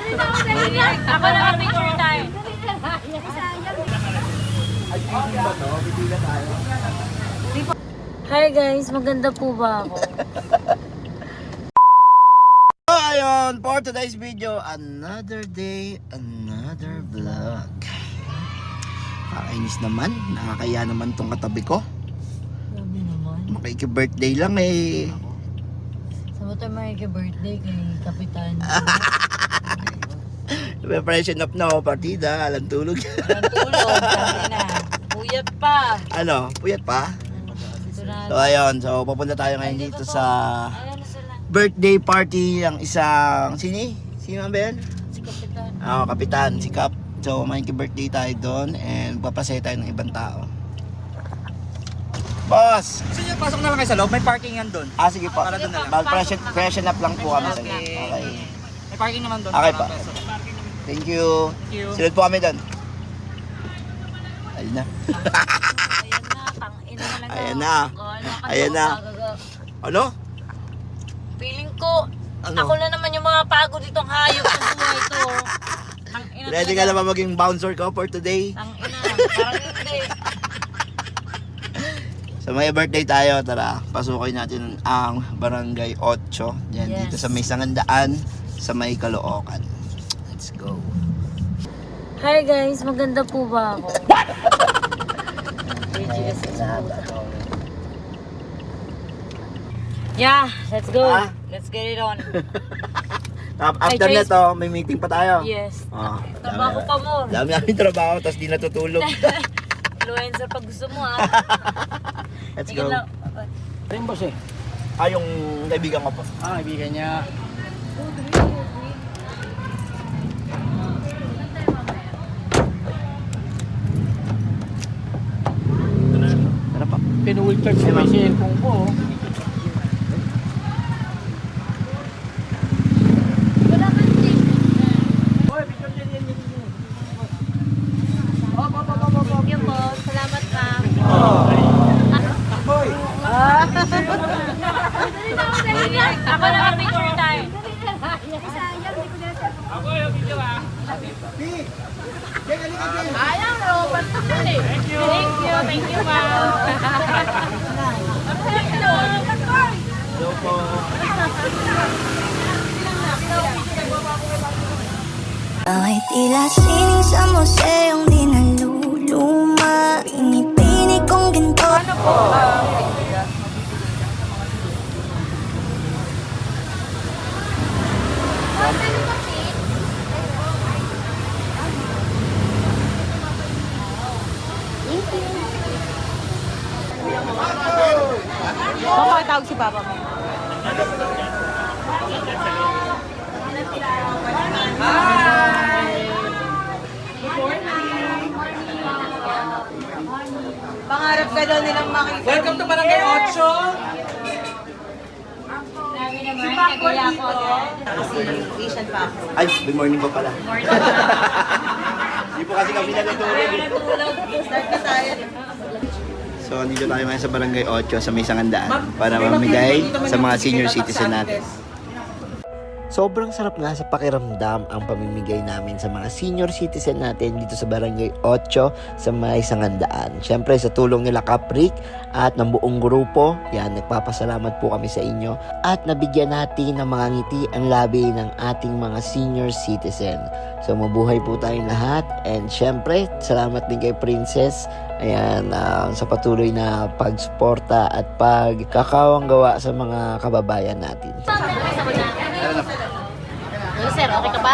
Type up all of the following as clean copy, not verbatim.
Ako na ang picture tayo. Hi guys, maganda po ba ako? So ayun, for today's video, another day, another vlog. Kakainis naman, nakakaya naman tong katabi ko. Sabi naman. Makiki-birthday lang eh. Sa mo tayo makiki-birthday kay Kapitan. Preparation up na ako, partida, alam tulog. Ang tulog, sabi na. Puyat pa. Ano, puyat pa? Ito na. So ayun, so papunta tayo ngayon dito sa Ayan na sila. birthday party ng isang, sino ang Ben? Si Kapitan. Kapitan, si Kap. So makiki-birthday tayo doon and papasaya tayo ng ibang tao. Boss! Gusto niyo pasok na lang kayo sa loob? May parking yan doon. Sige po. Para doon na lang. Freshen up lang po kami sa Okay. May parking naman doon. Okay pa. Parang peso. Thank you. Thank you. Sunod po kami doon. Ayun na. Ayan na, Ayan na. Ano? Feeling ko, Ano? ako na naman yung mga pagod itong hayop sa buhay ito. Tangina Ready ka na ba maging bouncer ko for today? Tangina, parang hindi. So may birthday tayo, tara. Pasukin natin ang Barangay 8. Yan, Yes. dito sa may Sangandaan, sa may Caloocan. Let's go. Hi guys, maganda po ba ako? Yeah, let's go. Ah? Let's get it on. After Ay, na Trace. to, may meeting pa tayo. Yes. Ah, Trabaho pa mo. Dami namin trabaho, tapos di natutulog. Influencer pag gusto mo ah. Let's Sige go. lang. Ito yung boss eh. Yung kaibigan ko po. Kaibigan niya. Tara pa. Pinull charge ko yung cellphone ko. Thank you po. Salamat ma'am. Ako na ang picture tayo. Ayang Robert. Thank you ma'am. Hello po. Ay tila sining sa museong di naluluma. Pinipini kong ginto. Tawag si Papa mo. Pangarap ka daw nilang makita. Welcome to Barangay 8. Sabi naman, kagaya ko agad. Ay, good morning pa pala. Hindi po kasi kami natutulog. So, dito tayo ngayon sa Barangay 8 sa may Sangandaan para mamigay sa mga senior citizen natin. Sobrang sarap nga sa pakiramdam ang pamimigay namin sa mga senior citizen natin dito sa Barangay 8 sa may Sangandaan. Siyempre sa tulong nila Kaprik at ng buong grupo, yan, nagpapasalamat po kami sa inyo at nabigyan natin ng mga ngiti ang labi ng ating mga senior citizen. So mabuhay po tayong lahat and siyempre salamat din kay Princess. Ayan, sa patuloy na pagsuporta at pagkakawang gawa sa mga kababayan natin. Hello sir, okay ka ba?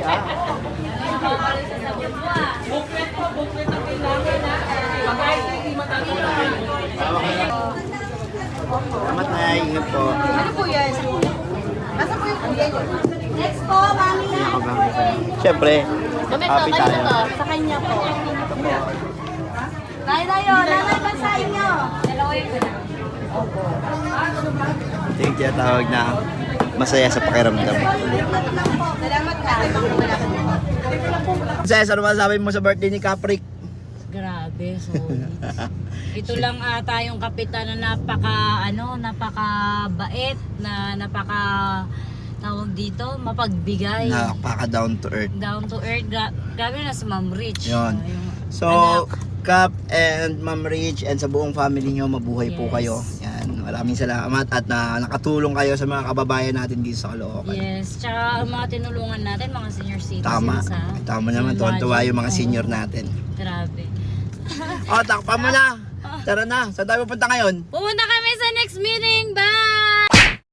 Salamat na, ingat po. Ano po yan? Nasa po yung kuya niyo? Next po, mami na. Siyempre, Gamit happy to, tayo. sa kanya po. Tayo, nanay ba sa inyo? Dalawa yung Ito yung tinatawag na masaya sa pakiramdam. Salamat ka. Princess, ano masasabi mo sa birthday ni Kaprik? Grabe, solid. Ito lang ata yung kapitan na napaka bait, na napaka tawag dito, mapagbigay. Napaka down to earth. Down to earth. Grabe na si Ma'am Rich. Yun. Yung So, anak. Cap and Ma'am Rich and sa buong family nyo, mabuhay po Yes. kayo. Yan, maraming salamat at nakatulong kayo sa mga kababayan natin dito sa Caloocan. Yes, tsaka ang mga tinulungan natin, mga senior citizens. Tama. ha? Tama naman, tuwan-tuwa yung mga senior natin. Grabe. O, takpan mo na. Tara na. Saan tayo pupunta ngayon? Pumunta kami sa next meeting. Bye!